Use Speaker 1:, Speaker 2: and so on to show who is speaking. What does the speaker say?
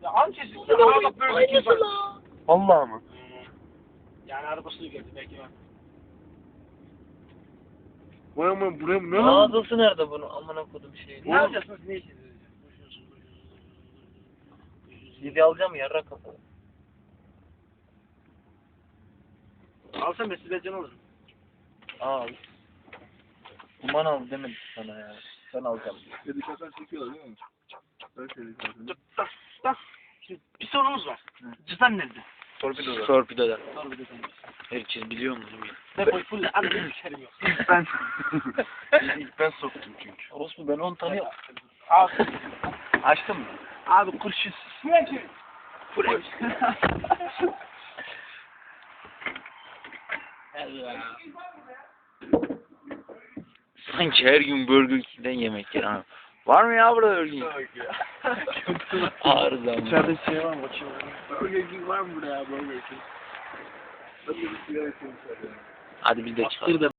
Speaker 1: Ya amcası araba böyle bir şey.
Speaker 2: Vallahi mı?
Speaker 1: Yani arabasını geldi belki ben.
Speaker 2: Vay aman buraya ne lan?
Speaker 3: Mağazası nerede bunun? Amına kodum şey.
Speaker 1: Ne yapacaksınız? Ne işiniz?
Speaker 3: Yedi alacağım yarra kapalı.
Speaker 1: Alsam ben size can alırım.
Speaker 3: Al. Kuman al demedim sana ya. Sen alacaksın.
Speaker 2: Ya dışarıdan çekiyorlar değil mi? Ben şöyle yapıyorum.
Speaker 1: Şimdi bir sorumuz var. Cüzdan nerede?
Speaker 2: Torpidoda.
Speaker 3: Torpidoda.
Speaker 1: Torpidodan.
Speaker 3: Herkes biliyor mu?
Speaker 1: Depoyu full abi benim şerim yok.
Speaker 2: İlk ben soktum çünkü.
Speaker 3: Orospu ben 10 tane
Speaker 1: Abi,
Speaker 3: açtım mı?
Speaker 1: abi kurşun. Full ev. Allah.
Speaker 3: Sanki her gün Burger King'den yemek yer ha. Var mı ya burada Burger King? Ağır zaman.
Speaker 2: İçeride şey var mı? Bakayım. Burger King var mı burada ya Burger King? Nasıl bir sigara içiyorum içeride?
Speaker 3: Hadi biz de çıkalım.